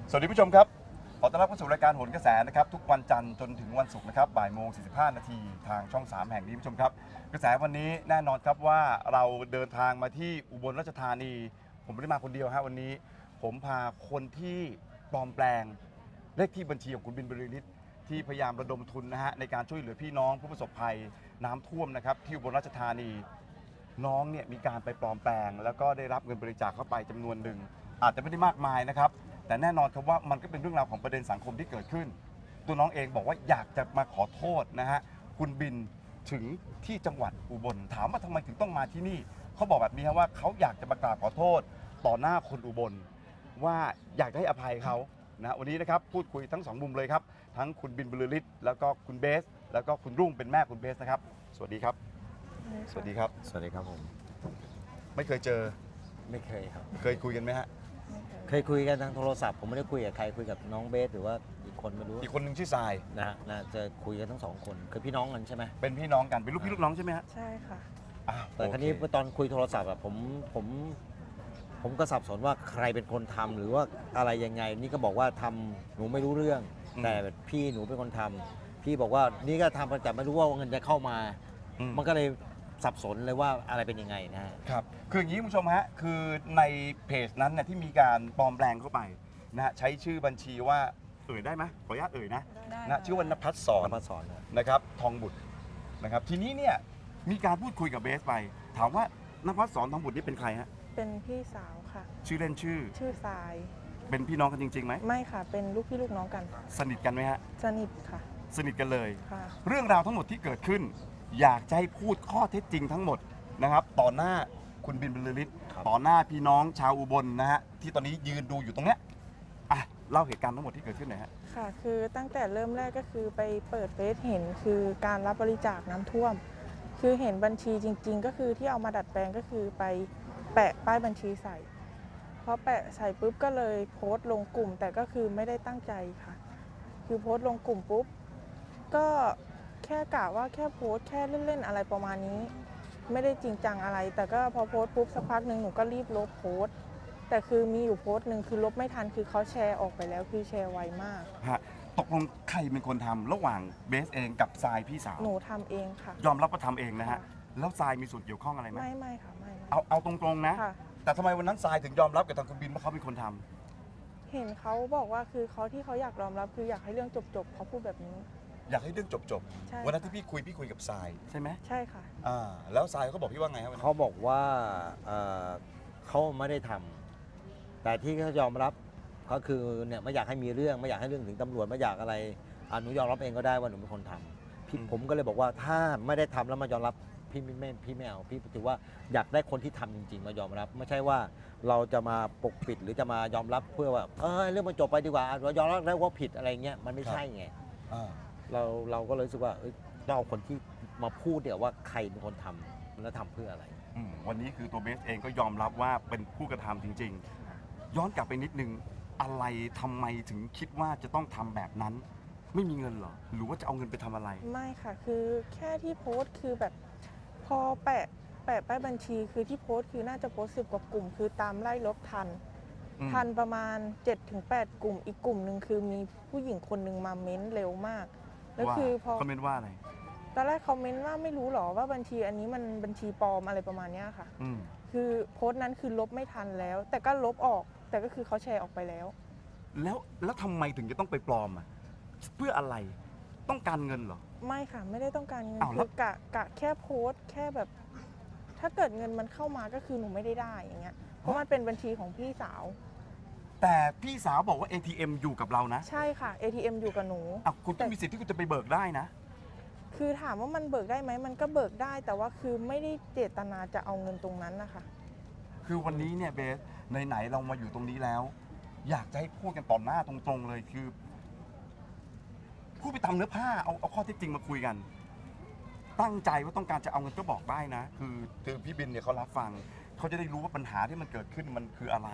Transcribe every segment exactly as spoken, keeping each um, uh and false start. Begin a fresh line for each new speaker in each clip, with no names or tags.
สวัสดีผู้ชมครับขอต้อนรับเข้าสู่รายการโหนกระแสนะครับทุกวันจันทร์จนถึงวันศุกร์นะครับบ่ายโมงสี่สิบห้านาทีทางช่องสามแห่งนี้ผู้ชมครับกระแสวันนี้แน่นอนครับว่าเราเดินทางมาที่อุบลราชธานี ผมไม่ได้มาคนเดียวฮะวันนี้ผมพาคนที่ปลอมแปลงเลขที่บัญชีของคุณบินบรรลือฤทธิ์ที่พยายามระดมทุนนะฮะในการช่วยเหลือพี่น้องผู้ประสบภัยน้ำท่วมนะครับที่อุบลราชธานีน้องเนี่ยมีการไปปลอมแปลงแล้วก็ได้รับเงินบริจาคเข้าไปจำนวนหนึ่งอาจจะไม่ได้มากมายนะครับแต่แน่นอนครับว่ามันก็เป็นเรื่องราวของประเด็นสังคมที่เกิดขึ้นตัวน้องเองบอกว่าอยากจะมาขอโทษนะฮะคุณบินถึงที่จังหวัดอุบลถามว่าทำไมถึงต้องมาที่นี่เขาบอกแบบนี้ครับว่าเขาอยากจะมากราบขอโทษต่อหน้าคนอุบลว่าอยากให้อภัยเขานะวันนี้นะครับพูดคุยทั้งสองมุมเลยครับทั้งคุณบินบรรลือฤทธิ์แล้วก็คุณเบสแล้วก็คุณรุ่งเป็นแม่คุณเบสนะครับสวัสดีครับสวัสดีครับ
สวัสดีครับผม
ไม่เคยเจอ
ไม่เคยครับ
เคยคุยกันไหมฮะ
เคยคุยกันทางโทรศัพท์ผมไม่ได้คุยกับใครคุยกับน้องเบสหรือว่าอีกคนไม่รู้
อีกคนหนึ่งชื่อทราย
นะฮะน่าจะคุยกันทั้งสองคนคือพี่น้องกันใช่ไหม
เป็นพี่น้องกันเป็นลูกพี่ลูกน้องใช่ไหมฮะ
ใช่ค่ะ
อ้าว
แต่ครั้นี้
โอเ
ตอนคุยโทรศัพท์อะผมผมผมก็สับสนว่าใครเป็นคนทำหรือว่าอะไรยังไงนี่ก็บอกว่าทำหนูไม่รู้เรื่อง แต่พี่หนูเป็นคนทำพี่บอกว่านี่ก็ทำแต่ไม่รู้ว่าเงินจะเข้ามา
อืม
มันก็เลยสับสนเลยว่าอะไรเป็นยังไงนะฮะ
ครับคืออย่างนี้คุณผู้ชมฮะคือในเพจนั้นเนี่ยที่มีการปลอมแปลงเข้าไปนะฮะใช้ชื่อบัญชีว่าเอ่ยได้ไหมขออนุญาตเอ่ยนะ
ได้
นะชื่อว่านภัสสร
นภัสสรนะ
นะครับทองบุตรนะครับทีนี้เนี่ยมีการพูดคุยกับเบสไป ถามว่านภัสสรทองบุตรนี่เป็นใครฮะ
เป็นพี่สาวค่ะ
ชื่อเล่นชื่อ
ชื่อทราย
เป็นพี่น้องกันจริงๆไหม
ไม่ค่ะ เป็นลูกพี่ลูกน้องกัน
สนิทกันไหมฮะ
สนิทค่ะ
สนิทกันเลย
ค่ะ
เรื่องราวทั้งหมดที่เกิดขึ้น อยากจะให้พูดข้อเท็จจริงทั้งหมดนะครับต่อหน้าคุณบินบรรลือฤทธิ์ต่อหน้าพี่น้องชาวอุบลนะฮะที่ตอนนี้ยืนดูอยู่ตรงเนี้ยอ่ะเล่าเหตุการณ์ทั้งหมดที่เกิดขึ้นหน่อยฮะ
ค่ะ คือตั้งแต่เริ่มแรกก็คือไปเปิดเฟซเห็นคือการรับบริจาคน้ำท่วม คือเห็นบัญชีจริง ๆ ก็คือที่เอามาดัดแปลงก็คือไปแปะป้ายบัญชีใส่พอแปะใส่ปุ๊บก็เลยโพสต์ลงกลุ่ม แต่ก็คือไม่ได้ตั้งใจค่ะ คือโพสต์ลงกลุ่มปุ๊บก็แค่กะว่าแค่โพสต์แค่เล่นๆอะไรประมาณนี้ ไม่ได้จริงจังอะไร แต่ก็พอโพสต์ปุ๊บสักพักหนึ่งหนูก็รีบลบโพสต์แต่คือมีอยู่โพสต์หนึ่งคือลบไม่ทันคือเขาแชร์ออกไปแล้วคือแชร์ไวมาก
ฮะตกลงใครเป็นคนทำระหว่างเบสเองกับทรายพี่สาว
หนูทำเองค่ะ
ยอมรับว่าทำเองนะฮะ
ค่ะ
แล้วทรายมีส่วนเกี่ยวข้องอะไรไหม
ไม่ไม่ค่ะไม่ไม่
เอาเอาตรงๆนะ
ค่ะ
แต่ทำไมวันนั้นทรายถึงยอมรับกับทางคุณบินว่าเขาเป็นคนทำ
เห็นเขาบอกว่าคือเขาที่เขาอยากยอมรับคืออยากให้เรื่องจบๆเขาพูดแบบนี้
อยากให้เรื่องจบ
ใช่
ๆวันนั้นที่พี่คุยพี่คุยกับทรายใช่ไหม
ใช่ค่ะ
อ่าแล้วทรายเขาบอกพี่ว่าไงครับวันนั้น
เขาบอกว่าเอ่อเขาไม่ได้ทำแต่ที่เขายอมรับก็คือเนี่ยไม่อยากให้มีเรื่องไม่อยากให้เรื่องถึงตำรวจไม่อยากอะไรอ่ะหนูยอมรับเองก็ได้ว่าหนูเป็นคนทำพี่ผมก็เลยบอกว่าถ้าไม่ได้ทำแล้วมายอมรับพี่ไม่ไม่พี่ไม่เอาพี่ถือว่าอยากได้คนที่ทำจริง ๆ มายอมรับ ไม่ใช่ว่าเราจะมาปกปิดหรือจะมายอมรับเพื่อว่าเออเรื่องมันจบไปดีกว่าเรายอมรับแล้วว่าผิดอะไรเงี้ยมันไม่ใช่ไง
อ่า
เราเราก็เลยรู้สึกว่าเอ้ยต้องเอาคนที่มาพูดเดี๋ยวว่าใครเป็นคนทำแล้วทำเพื่ออะไร
อืมวันนี้คือตัวเบสเองก็ยอมรับว่าเป็นผู้กระทำจริง ๆ ย้อนกลับไปนิดนึงอะไรทำไมถึงคิดว่าจะต้องทำแบบนั้น ไม่มีเงินเหรอหรือว่าจะเอาเงินไปทำอะไร
ไม่ค่ะ คือแค่ที่โพสต์คือแบบพอแปะแปะป้ายบัญชีคือที่โพสต์คือน่าจะโพสต์สิบกว่ากลุ่ม คือตามไล่ลบทัน
อืม
ทันประมาณ เจ็ดถึงแปด กลุ่ม อีกกลุ่มหนึ่งคือมีผู้หญิงคนหนึ่งมาเม้นเร็วมาก แล้ว
ว่า
คือพอ
คอมเมนต์ว่าอะไร
ตอนแรกเขาเม้นว่าไม่รู้หรอว่าบัญชีอันนี้มันบัญชีปลอมอะไรประมาณเนี้ยค่ะ
อืม
คือโพสต์นั้นคือลบไม่ทันแล้ว แต่ก็ลบออก แต่ก็คือเขาแชร์ออกไปแล้ว
แล้วแล้วทำไมถึงจะต้องไปปลอมอ่ะเพื่ออะไรต้องการเงินเหรอ
ไม่ค่ะ ไม่ได้ต้องการเงิน
อ้าวแล้
คื
ว
อกะกะแค่โพสต์แค่แบบ ถ้าเกิดเงินมันเข้ามาก็คือหนูไม่ได้ได้อย่างเงี้ยเพราะมันเป็นบัญชีของพี่สาว
แต่พี่สาวบอกว่า เอ ที เอ็ม อยู่กับเรานะ
ใช่ค่ะ เอ ที เอ็ม อยู่กับหนู
อ่ะคุณก็มีสิทธิ์ที่คุณจะไปเบิกได้นะ
คือถามว่ามันเบิกได้ไหมมันก็เบิกได้ แต่ว่าคือไม่ได้เจตนาจะเอาเงินตรงนั้นนะคะ
คือวันนี้เนี่ยเบสไหนๆเรามาอยู่ตรงนี้แล้ว อยากจะให้พูดกันต่อหน้าตรงๆเลยคือพูดไปตามเนื้อผ้าเอาเอาข้อเท็จจริงมาคุยกัน ตั้งใจว่าต้องการจะเอาเงินก็บอกได้นะ คือคือพี่บินเนี่ยเขารับฟังเขาจะได้รู้ว่าปัญหาที่มันเกิดขึ้นมันคืออะไร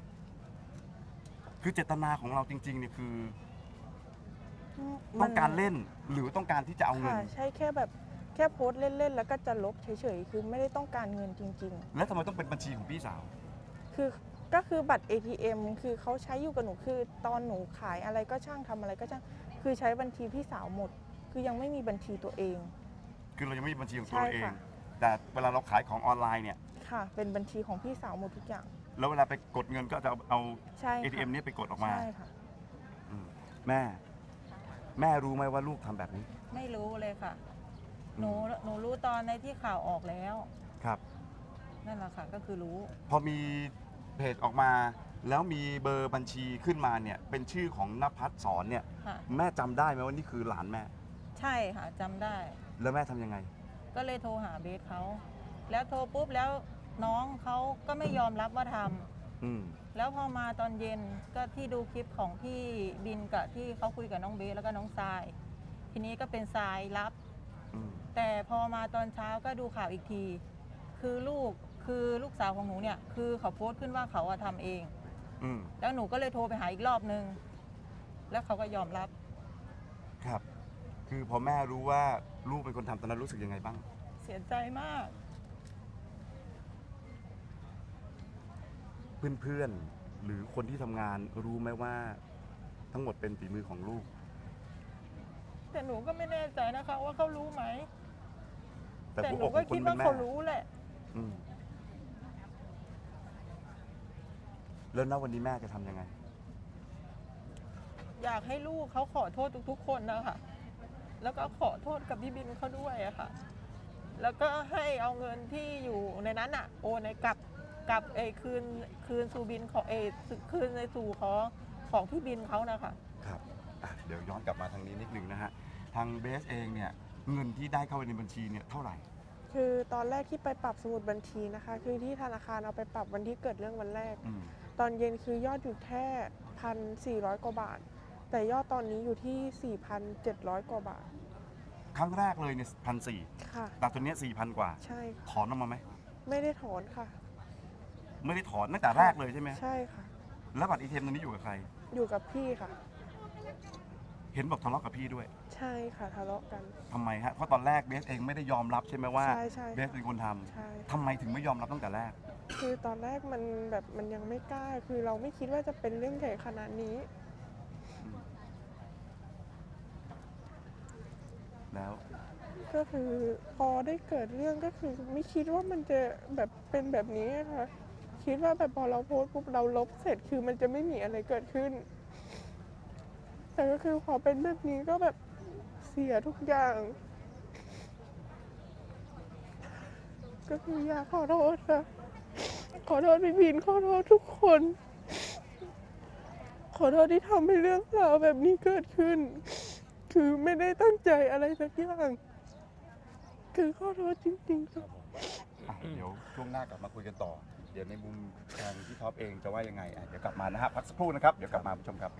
คือเจตนาของเราจริงๆเนี่ยคือ ต้องการเล่นหรือต้องการที่จะเอาเงิน
ค่ะใช่แค่แบบแค่โพสต์เล่นๆแล้วก็จะลบเฉยๆคือไม่ได้ต้องการเงินจริง
แล้วทำไมต้องเป็นบัญชีของพี่สาว
ๆ คือก็คือบัตร เอ ที เอ็ม คือเขาใช้อยู่กับหนูคือตอนหนูขายอะไรก็ช่างทำอะไรก็ช่างคือใช้บัญชีพี่สาวหมด คือยังไม่มีบัญชีตัวเอง
คือเรายังไม่มีบัญชีของตัว
ใช่
เราเอง
ค่ะ
แต่เวลาเราขายของออนไลน์เนี่ย
ค่ะ เป็นบัญชีของพี่สาวหมดทุกอย่าง
แล้วเวลาไปกดเงินก็จะเอาเอา
ใช่ค่ะ
เอ ที เอ็ม นี้ไปกดออกมา
ใช่ค่ะ
อืมแม่ แม่รู้ไหมว่าลูกทำแบบนี้
ไม่รู้เลยค่ะ หนูหนูรู้ตอนในที่ข่าวออกแล้ว
ครับ
นั่นแหละค่ะก็คือรู้
พอมีเพจออกมา แล้วมีเบอร์บัญชีขึ้นมาเนี่ย เป็นชื่อของนภัสสอนเนี่ย
ค่ะ
แม่จำได้ไหมว่านี่คือหลานแม่
ใช่ค่ะจำได้
แล้วแม่ทำยังไง
ก็เลยโทรหาเบสเขา แล้วโทรปุ๊บแล้วน้องเขาก็ไม่ยอมรับว่าทำ
อืม
แล้วพอมาตอนเย็นก็ที่ดูคลิปของพี่บินกับที่เขาคุยกับน้องเบสแล้วก็น้องทราย ทีนี้ก็เป็นทรายรับ
อืม
แต่พอมาตอนเช้าก็ดูข่าวอีกที คือลูกคือลูกสาวของหนูเนี่ยคือเขาโพสต์ขึ้นว่าเขาอะทำเอง
อืม
แล้วหนูก็เลยโทรไปหาอีกรอบนึง แล้วเขาก็ยอมรับ
ครับ คือพอแม่รู้ว่าลูกเป็นคนทำตอนนั้นรู้สึกยังไงบ้าง
เสียใจมาก
เพื่อนๆ หรือคนที่ทำงานรู้ไหมว่าทั้งหมดเป็นฝีมือของลูก
แต่หนูก็ไม่แน่ใจนะคะว่าเขารู้ไหม
แต่
แต่
หัว
หนู
อกข
ก็
องคน
คิด
เป็
ว่าน
แม่
เขารู้แหละ
อืมแล้วณวันนี้แม่จะทำยังไง
อยากให้ลูกเขาขอโทษทุกๆคนนะคะแล้วก็ขอโทษกับพี่บินเขาด้วยอะค่ะ แล้วก็ให้เอาเงินที่อยู่ในนั้นอะโอนในกลับกลับเออคืนคืนสู่บินของเออคืนในสู่ของของพี่บินเขานะคะ
ครับอ่ะเดี๋ยวย้อนกลับมาทางนี้นิดนึงนะฮะ ทางเบสเองเนี่ย เงินที่ได้เข้าไปในบัญชีเนี่ยเท่าไหร่
คือตอนแรกที่ไปปรับสมุดบัญชีนะคะ คือที่ธนาคารเอาไปปรับวันที่เกิดเรื่องวันแรก
อืม
ตอนเย็นคือยอดอยู่แค่พันสี่ร้อยกว่าบาท แต่ยอดตอนนี้อยู่ที่สี่พันเจ็ดร้อยกว่าบาท
ครั้งแรกเลยเนี่ยพันสี่
ค่ะ
แต่ตัวเนี้สี่พันกว่า
ใช่ค่ะ
ถอนออกมาไหม
ไม่ได้ถอนค่ะ
ไม่ได้ถอนตั้งแต่แรกเลยใช่ไหม
ใช่ค่ะ
แล้วบัตรอีทีเอ็มตัวนี้อยู่กับใคร
อยู่กับพี่ค่ะ
เห็นบอกทะเลาะกับพี่ด้วย
ใช่ค่ะทะเลาะกัน
ทำไมฮะ เพราะตอนแรกเบสเองไม่ได้ยอมรับใช่ไหมว่า
ใช่ใช่
เบสเป็นคนทำ
ใช่
ทำไมถึงไม่ยอมรับตั้งแต่แรก
คือตอนแรกมันแบบมันยังไม่กล้า คือเราไม่คิดว่าจะเป็นเรื่องใหญ่ขนาดนี้
แล้ว
ก็คือพอได้เกิดเรื่องก็คือไม่คิดว่ามันจะแบบเป็นแบบนี้ค่ะ คิดว่าแบบพอเราโพสต์ปุ๊บเราลบเสร็จคือมันจะไม่มีอะไรเกิดขึ้น แต่ก็คือพอเป็นแบบนี้ก็แบบเสียทุกอย่าง ก็คืออยากขอโทษค่ะ ขอโทษพี่บินขอโทษทุกคน ขอโทษที่ทำให้เรื่องราวแบบนี้เกิดขึ้น คือไม่ได้ตั้งใจอะไรสักอย่าง คือขอโทษจริงๆค่ะ
อ่ะเดี๋ยวช่วงหน้ากลับมาคุยกันต่อ เดี๋ยวในมุมทางพี่ท็อปเองจะว่ายังไงอ่ะเดี๋ยวกลับมานะฮะพักสักครู่นะครับ เดี๋ยวกลับมาผู้ชมครับ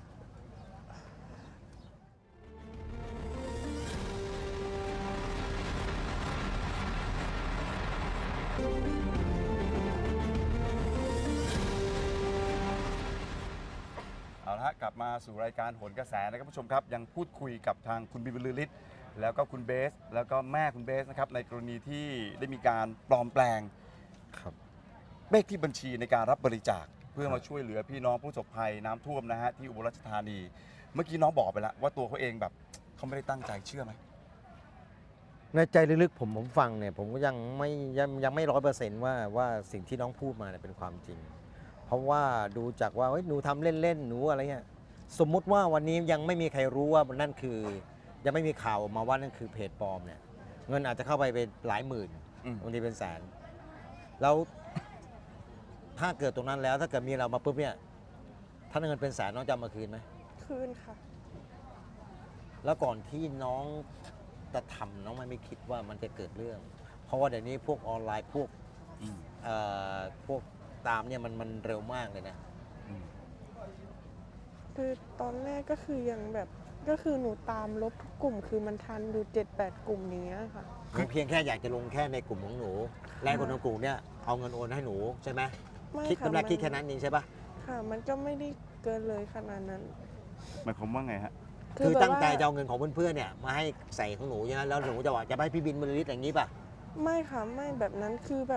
เอาละฮะกลับมาสู่รายการโหนกระแสนะครับผู้ชมครับ ยังพูดคุยกับทางคุณบินบรรลือฤทธิ์แล้วก็คุณเบส แล้วก็แม่คุณเบสนะครับในกรณีที่ได้มีการปลอมแปลง
ครับ
เลขที่บัญชีในการรับบริจาคเพื่อมาช่วยเหลือพี่น้องผู้ประสบภัยน้ำท่วมนะฮะที่อุบลราชธานี เมื่อกี้น้องบอกไปแล้วว่าตัวเขาเองแบบเขาไม่ได้ตั้งใจเชื่อไหม
ในใจลึกๆผมผมฟังเนี่ยผมก็ยังไม่ยังยังไม่ร้อยเปอร์เซนต์ว่าว่าสิ่งที่น้องพูดมาเนี่ยเป็นความจริง เพราะว่าดูจากว่าเฮ้ยหนูทำเล่นๆหนูอะไรเงี้ยสมมุติว่าวันนี้ยังไม่มีใครรู้ว่านั่นคือ ยังไม่มีข่าวออกมาว่านั่นคือเพจปลอมเนี่ยเงินอาจจะเข้าไปเป็นหลายหมื่น
อืม
บางทีเป็นแสน แล้วถ้าเกิดตรงนั้นแล้วถ้าเกิดมีเรามาปุ๊บเนี่ยถ้าเงินเป็นแสนน้องจะเอามาคืนไหม
คืนค่ะ
แล้วก่อนที่น้องจะทำน้องไม่ไม่คิดว่ามันจะเกิดเรื่อง เพราะว่าเดี๋ยวนี้พวกออนไลน์พวก
อืม
เอ่อพวกตามเนี่ยมันมันเร็วมากเลยนะ
อืม
คือตอนแรกก็คือยังแบบก็คือหนูตามลบทุกกลุ่ม คือมันทันอยู่เจ็ดแปดกลุ่มอย่างเงี้ยค่ะ
คือเพียงแค่อยากจะลงแค่ในกลุ่มของหนูและคนในกลุ่มเนี่ยเอาเงินโอนให้หนูใช่ไหม
ไม่
คิด
ค่ะ
กำไร
มัน
คิดแค่นั้นเองใช่ปะ
ค่ะ มันก็ไม่ได้เกินเลยขนาดนั้น
หมายความว่าไงฮะ
คือ
แบบ
ตั้งใจ
ว่า
จะเอาเงินของเพื่อนๆเนี่ยมาให้ใส่ของหนูใช่ไหมแล้วหนูจะว่าจะไปให้พี่บินบริลิตอย่างนี้ป่ะ
ไม่ค่ะไม่แบบนั้นคือแบบ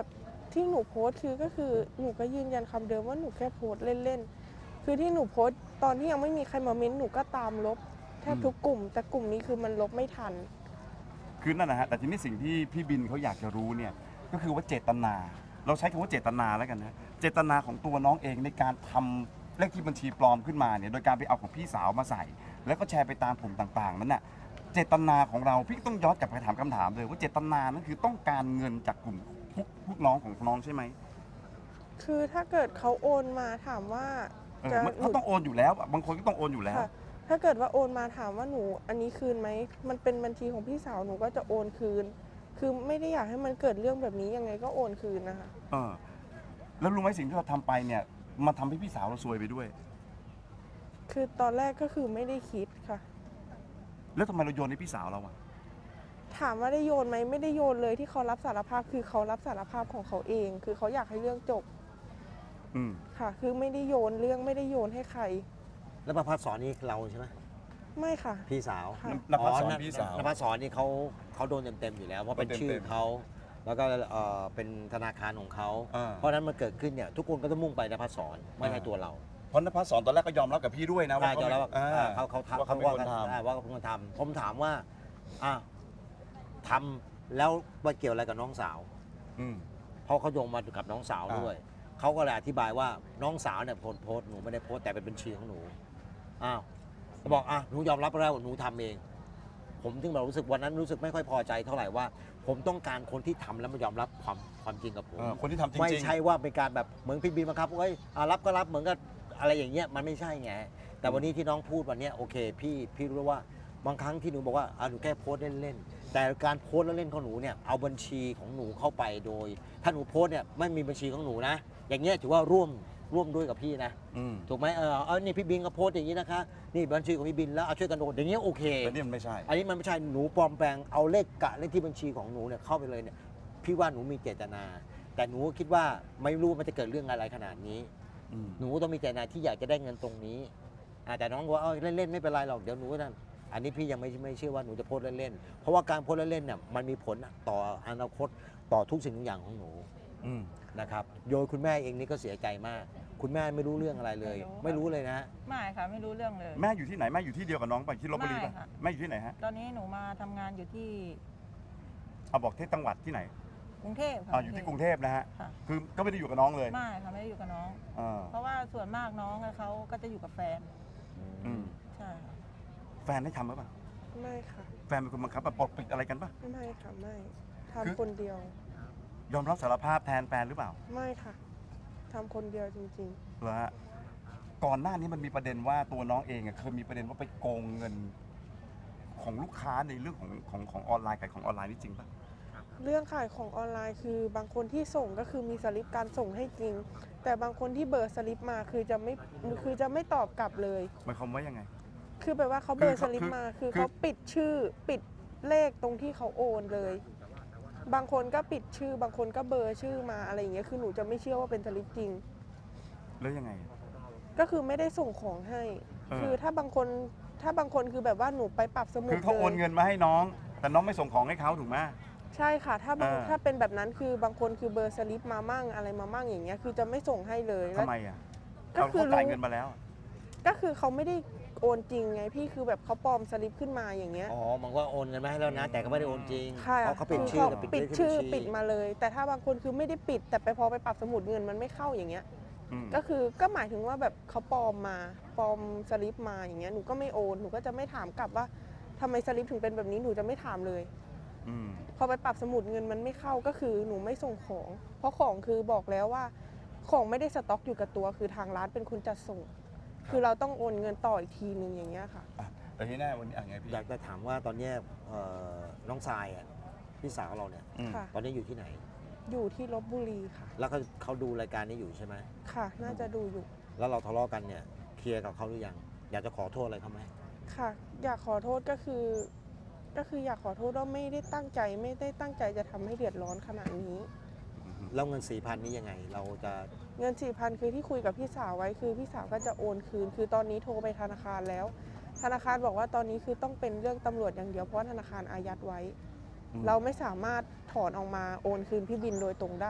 ที่หนูโพสต์คือก็คือหนูก็ยืนยันคำเดิมว่าหนูแค่โพสต์เล่นๆคือที่หนูโพสต์ตอนที่ยังไม่มีใครมาเม้นต์หนูก็ตามลบแทบทุกกลุ่ม แต่กลุ่มนี้คือมันลบไม่ทัน
คือนั่นนะฮะแต่ทีนี้สิ่งที่พี่บินเขาอยากจะรู้เนี่ยก็คือว่าเจตนา เราใช้คำว่าเจตนาแล้วกันนะเจตนาของตัวน้องเองในการทำเลขที่บัญชีปลอมขึ้นมาเนี่ยโดยการไปเอาของพี่สาวมาใส่ แล้วก็แชร์ไปตามกลุ่มต่างๆนั้นน่ะเจตนาของเราพี่ต้องย้อนกลับไปถามคำถามเลยว่าเจตนานั้นคือต้องการเงินจากกลุ่มพวกพวกน้องของน้องใช่ไหม
คือถ้าเกิดเขาโอนมาถามว่า
เออ
จะ
มันเขาต้องโอนอยู่แล้วอะบางคนก็ต้องโอนอยู่แล้ว
ค่ะถ้าเกิดว่าโอนมาถามว่าหนูอันนี้คืนไหมมันเป็นบัญชีของพี่สาวหนูก็จะโอนคืน คือไม่ได้อยากให้มันเกิดเรื่องแบบนี้ยังไงก็โอนคืนนะคะ
เออแล้วรู้ไหมสิ่งที่เราทำไปเนี่ยมันทำให้พี่สาวเราซวยไปด้วย
คือตอนแรกก็คือไม่ได้คิดค่ะ
แล้วทำไมเราโยนให้พี่สาวเราอะ
ถามว่าได้โยนไหมไม่ได้โยนเลยที่เขารับสารภาพคือเขารับสารภาพของเขาเอง คือเขาอยากให้เรื่องจบ
อืม
ค่ะ คือไม่ได้โยนเรื่องไม่ได้โยนให้ใคร
แล้วประพัฒสอนนี่เราใช่ไหม
ไม่ค่ะ
พี่สาว
ค่ะ
นภัสสอนพี่สาว
นภัสสอนนี่เขาเขาโดนเต็มๆอยู่แล้วเพราะเป็น
โดนเต็มๆ
ชื่อเขาแล้วก็เอ่อเป็นธนาคารของเขา
อ่า
เพราะฉะนั้นมันเกิดขึ้นเนี่ยทุกคนก็ต้องมุ่งไปนภัสสอนไม่ใช่ตัวเรา
เพราะนภัสสอนตอนแรกก็ยอมรับกับพี่ด้วยนะว่า
ได้
เขา
จะแล้ว
อ่า
เขาเขาทำ
ว่า
เขา
เขาเป็น
ว่า
คน
กัน
ท
อ่าว่าเขาเป็นคนทำผมถามว่าอ่ะทำแล้วมาเกี่ยวอะไรกับน้องสาว
ำอืม
เพราะเขาโยงมากับน้องสาว
อ่า
ด้วยเขาก็เลยอธิบายว่าน้องสาวเนี่ยโพสต์โพสต์หนูไม่ได้โพสต์แต่เป็นบัญชีของหนูอ้าวบอกอ่ะหนูยอมรับแล้วหนูทำเอง ผมถึงแบบรู้สึกวันนั้นรู้สึกไม่ค่อยพอใจเท่าไหร่ว่า ผมต้องการคนที่ทำแล้วมายอมรับความความจริงกับผม
เออคนที่ทำจริงๆ
ไม่ใช่ว่าเป็นการแบบเหมือนพี่บีมบังคับเอ้ยอ่ะรับก็รับเหมือนกับอะไรอย่างเงี้ยมันไม่ใช่ไงแต่วันนี้ที่น้องพูดวันเนี้ยโอเคพี่พี่รู้ว่าบางครั้งที่หนูบอกว่าอ่ะหนูแค่โพสต์เล่นๆแต่การโพสต์เล่นๆของหนูเนี่ยเอาบัญชีของหนูเข้าไปโดย ถ้าหนูโพสต์เนี่ยไม่มีบัญชีของหนูนะ อย่างเงี้ยถือว่าร่วมร่วมด้วยกับพี่นะ
อืม
ถูกไหมเออเอานี่พี่บินก็โพสต์อย่างนี้นะคะนี่บัญชีของพี่บินแล้วเอาช่วยกันโอนอย่างเงี้ยโอเค
แต่นี่มันไม่ใช่
อันนี้มันไม่ใช่หนูปลอมแปลงเอาเลขกะเลขที่บัญชีของหนูเนี่ยเข้าไปเลยเนี่ยพี่ว่าหนูมีเจตนา แต่หนูคิดว่าไม่รู้มันจะเกิดเรื่องอะไรขนาดนี้
อืม
หนูต้องมีเจตนาที่อยากจะได้เงินตรงนี้อ่าแต่น้องบอกว่าเอาเล่นๆไม่เป็นไรหรอกเดี๋ยวหนูนั่นอันนี้พี่ยังไม่ไม่เชื่อว่าหนูจะโพสต์เล่นๆเพราะว่าการโพสต์เล่นๆเนี่ยมันมีผลต่ออนาคตต่อทุกสิ่งทุกอย่างของหนู
อืม
นะครับโดยคุณแม่เองนี่ก็เสียใจมาก คุณแม่ไม่รู้เรื่องอะไรเลย ไม่รู้เลยนะ
ไม่ค่ะไม่รู้เรื่องเลย
แม่อยู่ที่ไหนแม่อยู่ที่เดียวกับน้องป่ะที่ลบบุรีป่ะ
ไม่ค่ะ
แม่อยู่ที่ไหนฮะ
ตอนนี้หนูมาทำงานอยู่ที่
เอาบอกที่จังหวัดที่ไหน
กรุงเทพค่ะ
อ่าอยู่ที่กรุงเทพนะฮะ
ค่ะ
คือก็ไม่ได้อยู่กับน้องเลย
ไม่ค่ะไม่ได้อยู่กับน้อง
อ่า
เพราะว่าส่วนมากน้องเขาก็จะอยู่กับแฟน
อืม
ใช่ค่ะ
แฟนได้ทำหรือเปล่า
ไม่ค่ะ
แฟนเป็นคนบังคับมาปกปิดอะไรกันป่ะ
ไม่ค่ะไม่
คือ
ทำคนเดียว
ยอมรับสารภาพแทนแฟนหรือเปล่า
ไม่ค่ะทำคนเดียวจริง
เหรอฮะก่อนหน้านี้มันมีประเด็นว่าตัวน้องเองอะเคยมีประเด็นว่าไปโกงเงินของลูกค้าในเรื่องของของของออนไลน์ขายของออนไลน์นี่จริงป่ะ
ๆ เรื่องขายของออนไลน์คือบางคนที่ส่งก็คือมีสลิปการส่งให้จริง แต่บางคนที่เบอร์สลิปมาคือจะไม่คือจะไม่ตอบกลับเลย
หมายความว่ายังไง
คือแปลว่าเขาเบอร์สลิป
คือ
มาคือ
คือ
เขาปิดชื่อปิดเลขตรงที่เขาโอนเลย บางคนก็ปิดชื่อบางคนก็เบอร์ชื่อมาอะไรอย่างเงี้ยคือหนูจะไม่เชื่อว่าเป็นสลิปจริง
แล้วยังไง
ก็คือไม่ได้ส่งของให้
เออ
คือถ้าบางคนถ้าบางคนคือแบบว่าหนูไปปรับสมุด
คือเขาโอน
ลย
เงินมาให้น้อง แต่น้องไม่ส่งของให้เขาถูกไหม
ใช่ค่ะ ถ้าบาง
เออ
ถ้าเป็นแบบนั้นคือบางคนคือเบอร์สลิปมามั่งอะไรมามั่งอย่างเงี้ยคือจะไม่ส่งให้เลยแล้ว
ทำไมอ่ะ
ก็
เขา
คือ
เขาจ่าย
รู้
เงินมาแล้ว
ก็คือเขาไม่ได้โอนจริงไงพี่คือแบบเขาปลอมสลิปขึ้นมาอย่างเงี้ย
อ๋อมันก็โอนเงินมาให้แล้วนะ แต่ก็ไม่ได้โอนจริง
ค่ะ
เพราะเขาปิด
คือ
ชื่อ
เขา
กับ
ปิด
เลขที่
ชื่อ
บัญชี
ปิดมาเลย แต่ถ้าบางคนคือไม่ได้ปิด แต่ไปพอไปปรับสมุดเงินมันไม่เข้าอย่างเงี้ย
อืม
ก็คือก็หมายถึงว่าแบบเขาปลอมมาปลอมสลิปมาอย่างเงี้ยหนูก็ไม่โอนหนูก็จะไม่ถามกลับว่าทำไมสลิปถึงเป็นแบบนี้หนูจะไม่ถามเลย
อืม
พอไปปรับสมุดเงินมันไม่เข้าก็คือหนูไม่ส่งของ เพราะของคือบอกแล้วว่า ของไม่ได้สต็อกอยู่กับตัว คือทางร้านเป็นคนจัดส่ง คือเราต้องโอนเงินต่ออีกทีนึงอย่างเงี้ยค่ะ
อ่ะแต่ที่แน่วันนี้อ่ะไงพี่
อยากจะถามว่าตอนเนี้ยเอ่อน้องทรายอ่ะพี่สาวเราเนี่ย
อืม
ค่ะ
ตอนนี้อยู่ที่ไหน
อยู่ที่ลบบุรีค่ะ
แล้วเขาเขาดูรายการนี้อยู่ใช่ไหม
ค่ะ น่าจะดูอยู่
แล้วเราทะเลาะกันเนี่ยเคลียร์กับเขาหรือยังอยากจะขอโทษอะไรเขาไหม
ค่ะ อยากขอโทษก็คือ ก็คืออยากขอโทษว่าไม่ได้ตั้งใจไม่ได้ตั้งใจจะทำให้เดือดร้อนขนาดนี้
แล้วเงินสี่พันนี้ยังไง เราจะ
เงินสี่พันคือที่คุยกับพี่สาวไว้คือพี่สาวก็จะโอนคืน คือตอนนี้โทรไปธนาคารแล้ว ธนาคารบอกว่าตอนนี้คือต้องเป็นเรื่องตำรวจอย่างเดียวเพราะว่าธนาคารอายัดไว้
อืม
เราไม่สามารถถอนออกมาโอนคืนพี่บินโดยตรงได้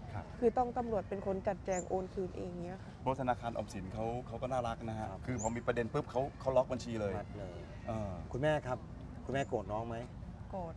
ครับ
คือต้องตำรวจเป็นคนจัดแจงโอนคืนเองเนี้ยค่ะ
เพราะธนาคารออมสินเขาเขาก็น่ารักนะฮะ
ครับ
คือพอมีประเด็นปุ๊บเขาเขาล็อกบัญชีเลย
มัดเลย
เออ
คุณแม่ครับ คุณแม่โกรธน้องไหม
โกรธ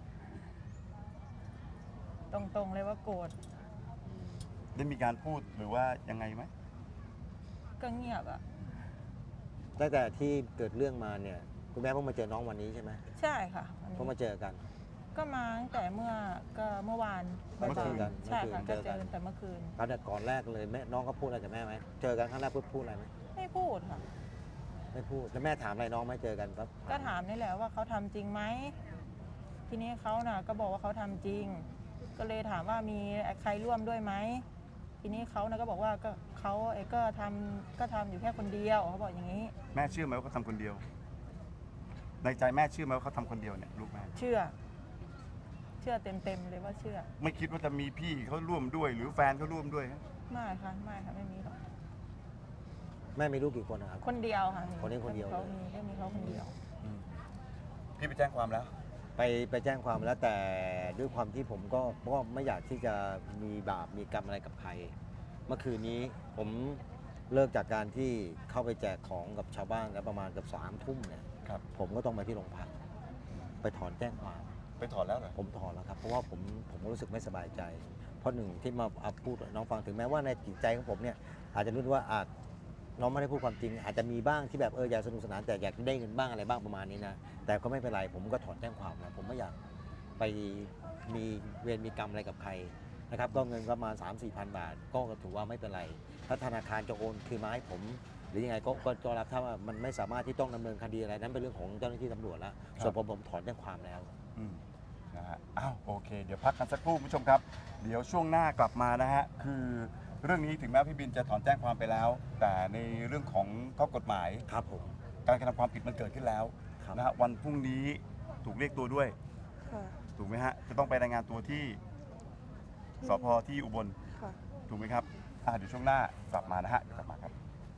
ตรงๆเลยว่าโกรธ
ได้มีการพูดหรือว่ายังไงไหม
ก็เงียบอ่ะ
ตั้งแต่ที่เกิดเรื่องมาเนี่ย คุณแม่เพิ่งมาเจอน้องวันนี้ใช่ไหม
ใช่ค่ะวันนี้
เพิ่งมาเจอกัน
ก็มาตั้งแต่เมื่อก็เมื่อวาน
เมื่อคืนกัน
ใช่ค่ะ
เมื่
ก็
อคืน
เจ
เจอ
อ
กัน
แต่เมื่อคืน
ตอนแต่ก่อนแรกเลยแม่น้องก็พูดอะไรกับแม่ไหมเจอกันครั้งแรกพูดพูดอะไรไหม
ไม่พูดค่ะ
ไม่พูดแล้วแม่ถามอะไรน้องไหมเจอกันปั๊บ
ก็ถามนี่แหละว่าเขาทำจริงไหมทีนี้เขาน่ะก็บอกว่าเขาทำจริง ก็เลยถามว่ามีใครร่วมด้วยไหมทีนี้เขาน่ะก็บอกว่าก็เขาเอ้ก็ทำก็ทำอยู่แค่คนเดียวเขาบอกอย่างนี้
แม่เชื่อไหมว่าเขาทำคนเดียว ในใจแม่เชื่อไหมว่าเขาทำคนเดียวเนี่ยลูกแม่
เชื่อ เชื่อเต็มๆเลยว่าเชื่อ
ไม่คิดว่าจะมีพี่เขาร่วมด้วย หรือแฟนเขาร่วมด้วยฮะ
ไม่ค่ะไม่ค่ะไม่มีหรอก
แม่มีลูกกี่คนนะครับ
คนเดียวค่ะมี
คนนี้คนเดียว
เขา
เลย
มีแค่มีเขาคนเดียว
พี่ไปแจ้งความแล้ว
ไปไปแจ้งความแล้วแต่ด้วยความที่ผมก็ก็ไม่อยากที่จะมีบาปมีกรรมอะไรกับใคร เมื่อคืนนี้ผมเลิกจากการที่เข้าไปแจกของกับชาวบ้านแล้วประมาณเกับสามทุ่มเนี่ย
ครับ
ผมก็ต้องไปที่โรงพักไปถอนแจ้งความ
ไปถอนแล้วเหรอ
ผมถอนแล้วครับเพราะว่าผมผมก็รู้สึกไม่สบายใจ เพราะหนึ่งที่มาเอาพูดน้องฟังถึงแม้ว่าในจิตใจของผมเนี่ยอาจจะรู้ว่าอาจน้องไม่ได้พูดความจริง อาจจะมีบ้างที่แบบเอออยากสนุกสนานแต่อยากได้เงินบ้างอะไรบ้างประมาณนี้นะแต่ก็ไม่เป็นไรผมก็ถอนแจ้งความแล้วผมไม่อยากไปมีเวรมีกรรมอะไรกับใครนะครับก็เงินประมาณ สามสี่พัน บาท ก็ถือว่าไม่เป็นไร ถ้าธนาคารจะโอนคืนมาให้ผม หรือยังไงก็ก็ก็รับถ้าว่ามันไม่สามารถที่ต้องดำเนินคดีอะไรนั้นเป็นเรื่องของเจ้าหน้าที่ตำรวจแล้วส่วนผมผมถอนแจ้งความแล้ว
อืมนะฮะ อ้าว โอเค เดี๋ยวพักกันสักครู่คุณผู้ชมครับ เดี๋ยวช่วงหน้ากลับมานะฮะ คือเรื่องนี้ถึงแม้พี่บินจะถอนแจ้งความไปแล้ว แต่ในเรื่องของข้อกฎหมาย
ครับผม
การกระทำความผิดมันเกิดขึ้นแล้ว
ครับ
นะฮะ วันพรุ่งนี้ถูกเรียกตัวด้วย
ค่ะ
ถูกไหมฮะ จะต้องไปรายงานตัวที่สพที่อุบล
ค่ะ
ถูกไหมครับอ่าเดี๋ยวช่วงหน้ากลับมานะฮะ เดี๋ยวกลับมาครับ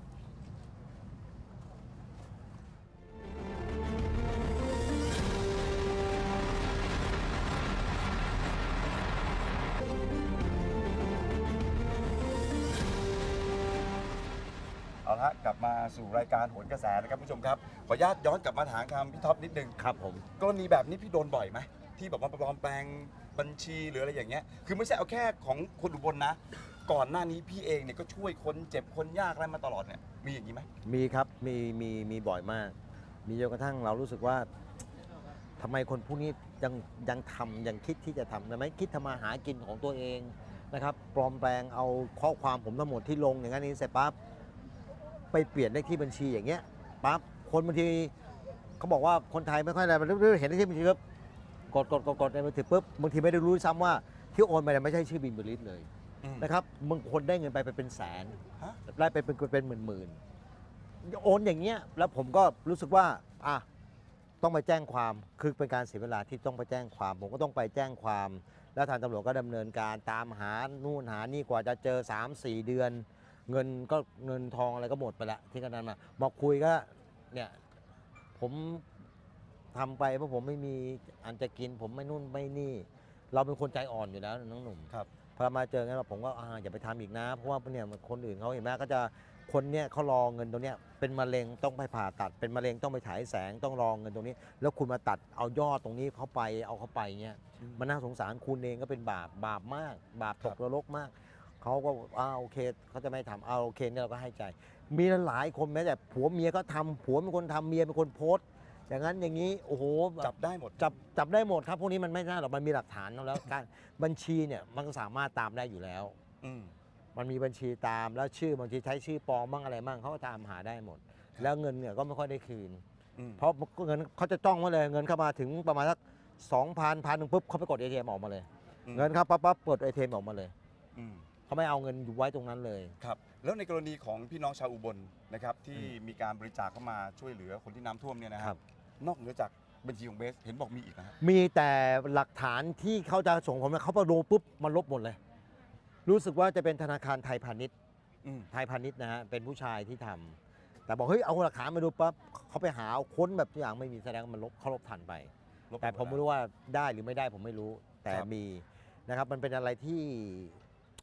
เอาละฮะกลับมาสู่รายการโหนกระแสนะครับผู้ชมครับ ขออนุญาตย้อนกลับมาถามคำพี่ท็อปนิดนึง
ครับผม
กรณีแบบนี้พี่โดนบ่อยไหมที่แบบว่าปลอมแปลงบัญชีหรืออะไรอย่างเงี้ยคือไม่ใช่เอาแค่ของคนอุบลนะ ก่อนหน้านี้พี่เองเนี่ยก็ช่วยคนเจ็บคนยากอะไรมาตลอดเนี่ยมีอย่างนี้ไหม
มีครับมีมีมีบ่อยมาก มีจนกระทั่งเรารู้สึกว่าทำไมคนพวกนี้ยังยังทำยังคิดที่จะทำทำไมคิดทำมาหากินของตัวเองนะครับปลอมแปลงเอาข้อความผมทั้งหมดที่ลงอย่างนั้นนี้เสร็จปั๊บไปเปลี่ยนเลขที่บัญชีอย่างเงี้ยปั๊บคนบางทีเขาบอกว่าคนไทยไม่ค่อยอะไรมันเห็นเลขที่บัญชีปุ๊บกดกดกดกดในมือถือปุ๊บบางทีไม่ได้รู้ซ้ำว่าที่โอนไปเนี่ยไม่ใช่ชื่อบินบริษเลย นะครับบางคนได้เงินไปไปเป็นแสน
ฮะ
ได้ไปเป็นเป็นหมื่นหมื่นๆโอนอย่างเงี้ยแล้วผมก็รู้สึกว่าอ่ะต้องไปแจ้งความคือเป็นการเสียเวลาที่ต้องไปแจ้งความ ผมก็ต้องไปแจ้งความ แล้วทางตำรวจก็ดำเนินการตามหานู่นหานี่กว่าจะเจอ สามสี่ เดือน เงินก็เงินทองอะไรก็หมดไปละที่กันนั้นมามาคุยก็เนี่ยผมทำไปเพราะผมไม่มีอันจะกิน ผมไม่นู่นไม่นี่ เราเป็นคนใจอ่อนอยู่แล้วน้องหนุ่ม
ครับ
พอมาเจองั้นผมก็อ่าอย่าไปทำอีกนะ เพราะว่าเนี่ยคนอื่นเขาเห็นไหมก็จะคนเนี่ยเขารอเงินตรงเนี้ยเป็นมะเร็งต้องไปผ่าตัด เป็นมะเร็งต้องไปฉายแสงต้องรอเงินตรงนี้ แล้วคุณมาตัดเอายอดตรงนี้เข้าไปเอาเข้าไปเงี้ยมันน่าสงสารคุณเองก็เป็นบาปบาปมาก บาปตกนรกมากเขาก็อ่าโอเคเขาจะไม่ทำเอาโอเคเนี่ยเราก็ให้ใจ มีหลายคนแม้แต่ผัวเมียก็ทำผัวเป็นคนทำเมียเป็นคนโพสต์อย่างนั้นอย่างนี้โอ้โหแบบ
จับได้หมด
จับจับได้หมดครับพวกนี้มันไม่น่าหรอกมันมีหลักฐานแล้ว การบัญชีเนี่ยมันก็สามารถตามได้อยู่แล้ว
อืม
มันมีบัญชีตามแล้วชื่อบางทีใช้ชื่อปลอมบ้างอะไรบ้างเขาก็ตามหาได้หมด แล้วเงินเนี่ยก็ไม่ค่อยได้คืน
อืม
เพราะเงินเขาจะจ้องไว้เลยเงินเข้ามาถึงประมาณสักสองพันพันหนึ่งปุ๊บเขาไปกด เอ ที เอ็ม ออกมาเลย
อืม
เงินเข้าปั๊บปั๊บเปิด เอ ที เอ็ม ออกมาเลย
อืม
เขาไม่เอาเงินอยู่ไว้ตรงนั้นเลย
ครับแล้วในกรณีของพี่น้องชาวอุบลนะครับที่มีการบริจาคเข้ามาช่วยเหลือคนที่น้ำท่วมเนี่ยนะค
ครั
รับบ นอกเหนือจากบัญชีของเบสเห็นบอกมีอีกนะฮะ
มีแต่หลักฐานที่เขาจะส่งผมเนี่ยเขาไปดูปุ๊บมันลบหมดเลย รู้สึกว่าจะเป็นธนาคารไทยพาณิชย์
อืม
ไทยพาณิชย์นะฮะเป็นผู้ชายที่ทำแต่บอกเฮ้ยเอาหลักฐานมาดูปั๊บเขาไปหาเอาค้นแบบทุกอย่างไม่มีแสดงว่ามันลบเขาลบทันไป
ลบ
แต่ผมไม่รู้ว่าได้หรือไม่ได้ผมไม่รู้แต่
ครับ
มีนะครับมันเป็นอะไรที่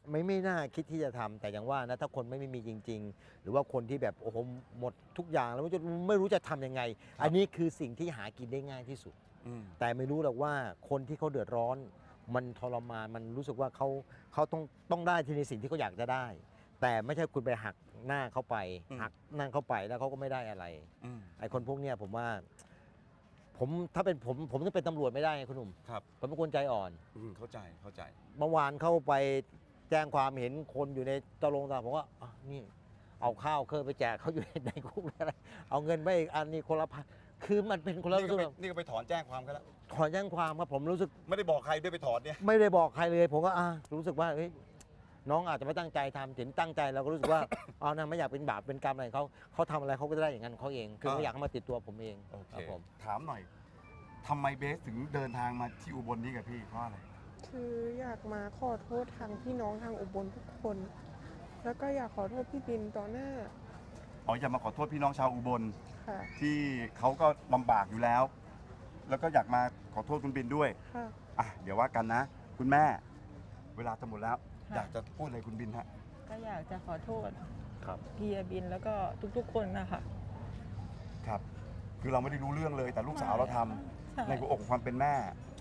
ไม่ไม่น่าคิดที่จะทำแต่อย่างว่านะถ้าคนไม่มีจริง ๆ หรือว่าคนที่แบบโอ้โหหมดทุกอย่างแล้วไม่รู้จะไม่รู้จะทำยังไง อันนี้คือสิ่งที่หากินได้ง่ายที่สุด
อืม
แต่ไม่รู้หรอกว่าคนที่เขาเดือดร้อน มันทรมานมันรู้สึกว่าเขาเขาต้องต้องได้ที่ในสิ่งที่เขาอยากจะได้ แต่ไม่ใช่คุณไปหักหน้าเขาไป
อืม
หักนั่งเขาไปแล้วเขาก็ไม่ได้อะไร
อืม
ไอ้คนพวกเนี้ยผมว่า ผมถ้าเป็นผมผมต้องเป็นตำรวจไม่ได้ไงคุณหนุ่ม
ครับ
ผมเป็นคนใจอ่อน
อืมเข้าใจเข้าใจ
เมื่อวานเข้าไปแจ้งความเห็นคนอยู่ในตะลงตลาดผมว่าอ่ะนี่เอาข้าวเคยไปแจกเขาอยู่ในคุกอะไรเอาเงินไปอีกอันนี้คนละพันคือมันเป็นคนละ
นี่
รู้
ก็
สึก
ไปนี่ก็ไปถอนแจ้งความกันแล้ว
ถอนแจ้งความครับผมรู้สึก
ไม่ได้บอกใครด้วยไปถอนเนี่ย
ไม่ได้บอกใครเลยผมก็อ่ะรู้สึกว่าเฮ้ยน้องอาจจะไม่ตั้งใจทำถึงตั้งใจเราก็รู้สึกว่า เอานะไม่อยากเป็นบาปเป็นกรรมอะไรเขาเขาทำอะไรเขาก็จะได้อย่างนั้นเขาเอง คือไม่อยากให้มาติดตัวผมเอง
โอเค
ครับผม
ถามหน่อยทำไมเบสถึงเดินทางมาที่อุบลนี้กับพี่เพราะอะไร
คืออยากมาขอโทษทางพี่น้องทางอุบลทุกคน แล้วก็อยากขอโทษพี่บินต่อหน้า
อ๋ออยากมาขอโทษพี่น้องชาวอุบล
ค่ะ
ที่เขาก็ลำบากอยู่แล้ว แล้วก็อยากมาขอโทษคุณบินด้วย
ค่ะ
อ่ะเดี๋ยวว่ากันนะ คุณแม่ เวลาจะหมดแล้ว
ค่ะ
อยากจะพูดอะไรคุณบินฮะ
ก็อยากจะขอโทษ
ครับ
เฮียบินแล้วก็ทุกๆคนนะคะ
ครับ คือเราไม่ได้รู้เรื่องเลย แต่ลูกสาวเราทำ
ใช่
ในหัวอกของความเป็นแม่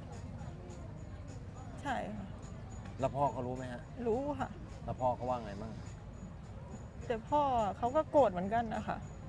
ใช่ค่ะ
แล้วพ่อเขารู้ไหมฮะ
รู้ค่ะ
แล้วพ่อเขาว่าไงบ้าง
แต่พ่อเขาก็โกรธเหมือนกันนะคะ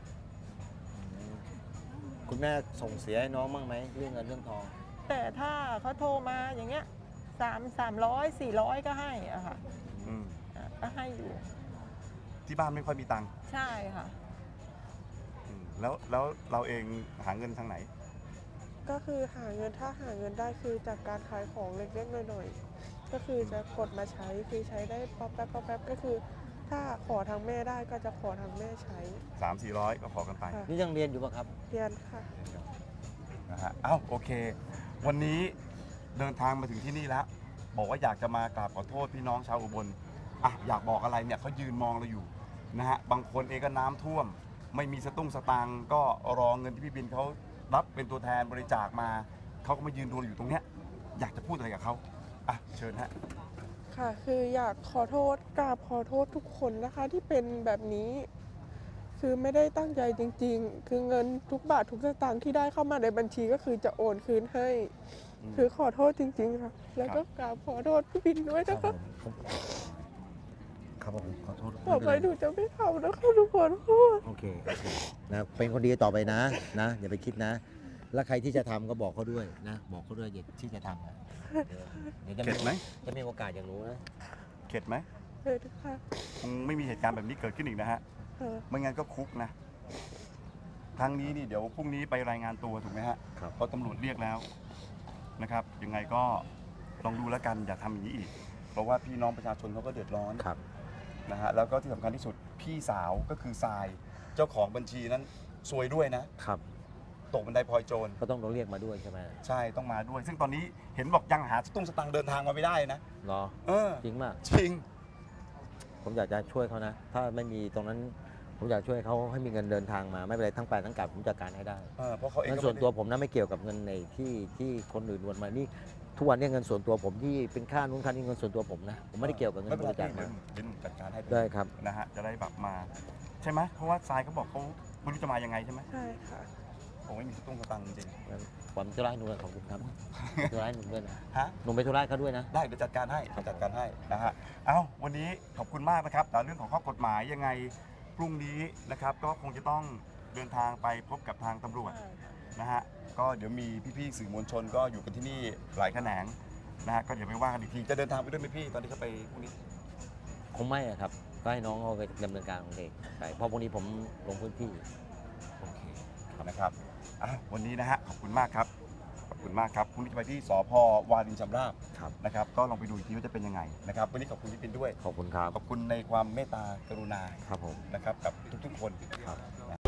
คุณแม่ส่งเสียให้น้องบ้างไหมเรื่องเงินเรื่องทอง
แต่ถ้าเขาโทรมาอย่างเงี้ยสามสามร้อยสี่ร้อยก็ให้อะค่ะ
อืม
อ่ะก็ให้อยู่
ที่บ้านไม่ค่อยมีตังค์
ใช่ค่ะ
อืมแล้วแล้วเราเองหาเงินทางไหน
ก็คือหาเงินถ้าหาเงินได้คือจากการขายของเล็กๆหน่อยๆก็คือจะกดมาใช้คือใช้ได้ป๊อปแป๊บป๊อปแป๊บก็คือ ถ้าขอทางแม่ได้ก็จะขอทางแม่ใช้
สามสี่ร้อยก็ขอกันไป
ค่ะ
นี่ยังเรียนอยู่ปะครับ
เรียนค่ะ
นะฮะเอ้าโอเค วันนี้เดินทางมาถึงที่นี่แล้ว บอกว่าอยากจะมากราบขอโทษพี่น้องชาวอุบลอ่ะอยากบอกอะไรเนี่ยเขายืนมองเราอยู่นะฮะบางคนเองก็น้ำท่วม ไม่มีสตุ้งสตังค์ก็รอเงินที่พี่บินเขารับเป็นตัวแทนบริจาคมาเขาก็มายืนดูเราอยู่ตรงเนี้ยอยากจะพูดอะไรกับเขาอ่ะเชิญฮะ
ค่ะ คืออยากขอโทษกราบขอโทษทุกคนนะคะที่เป็นแบบนี้ คือไม่ได้ตั้งใจจริง ๆ คือเงินทุกบาททุกสตางค์ที่ได้เข้ามาในบัญชีก็คือจะโอนคืนให้
อืม
คือขอโทษจริง ๆ ค่ะ แล้วก็กราบขอโทษพี่บินด้วยนะคะ
ครับผมขอโทษ
ต่อไปหนูจะไม่ทำนะคะทุกคน
โอเคโอเคนะเป็นคนดีต่อไปนะนะอย่าไปคิดนะ แล้วใครที่จะทำก็บอกเขาด้วยนะ บอกเขาด้วยอย่าที่จะทำนะเดี๋ยวจะ
เข็ดไหม
จะมีโอกาสอย่างรู้นะ
เข็ดไหม
เลยค่ะ
คงไม่มีเหตุการณ์แบบนี้เกิดขึ้นอีกนะฮะ
เออ
ไม่งั้นก็คุกนะครั้งนี้นี่เดี๋ยวพรุ่งนี้ไปรายงานตัวถูกไหมฮะ
ครับ
เพราะตำรวจเรียกแล้วนะครับ ยังไงก็ลองดูแล้วกันอย่าทำอย่างนี้อีก เพราะว่าพี่น้องประชาชนเขาก็เดือดร้อน
ครับ
นะฮะแล้วก็ที่สำคัญที่สุดพี่สาวก็คือทรายเจ้าของบัญชีนั้นซวยด้วยนะครับ ตกบันไดพลอยโจร
ก็ต้องโดนเรียกมาด้วยใช่ไหม
ใช่ต้องมาด้วย ซึ่งตอนนี้เห็นบอกยังหาสตุ้งสตังค์เดินทางมาไม่ได้นะ
เหรอ
เออ
จริงมาก
จริง
ผมอยากจะช่วยเขานะ ถ้าไม่มีตรงนั้น ผมอยากช่วยเขาให้มีเงินเดินทางมา ไม่เป็นไรทั้งไปทั้งกลับผมจัดการให้ได้
เออเพราะเขาเอง
เงิน
ก็
ส่วน
ไม่ได้
ตัวผมนะไม่เกี่ยวกับเงินในที่ที่คนอื่นวนมานี่ทุกวันนี้เงินส่วนตัวผมที่เป็นค่านู้นค่านี้เงินส่วนตัวผมนะผมไม่ได้เกี่ยวกับเงิน
ไม่
บ
เป็นไร
ริจาค
เดี๋
มา
ยวเดี๋ยวหนูจัดการให้
ได้ครับ
นะฮะจะได้แบบมา ใช่ไหมเพราะว่าทรายเขาบอกเขาไม่รู้จะมายังไงใช่ไหม
ใช่ค่ะ
ผมไม่มีสตุ้งสตังค์จริง
งั้นผมจะไล่หนูเลยขอบคุณครับจะไล่หนูด้วยนะ
ๆฮะ
หนูไปธุระเขาด้วยนะ
ได้เดี๋ยวจัดการให้เดี๋ยวจัดการให้นะฮะ เอ้าวันนี้ขอบคุณมากนะครับแต่เรื่องของข้อกฎหมายยังไงพรุ่งนี้นะครับก็คงจะต้องเดินทางไปพบกับทางตำรวจนะฮะ ก็เดี๋ยวมีพี่ๆสื่อมวลชนก็อยู่กันที่นี่หลายแขนงนะฮะ ก็เดี๋ยวไปว่ากันอีกที จะเดินทางไปด้วยไหมพี่ตอนที่เขาไปพรุ่งนี้
คงไม่อะครับ ก็ให้น้องเขาไปดำเนินการของเด็กไปเพราะพรุ่งนี้ผมลงพื้นที่
โอเคนะครับอ่ะวันนี้นะฮะขอบคุณมากครับ ขอบคุณมากครับพรุ่งนี้จะไปที่สพวารินชำราบ
ครับ
นะครับ ก็ลองไปดูอีกทีว่าจะเป็นยังไงนะครับ วันนี้ขอบคุณพี่ปินด้วย
ขอบคุณครับ
ขอบคุณในความเมตตากรุณา
ครับผม
นะครับกับทุกๆคน
ครับ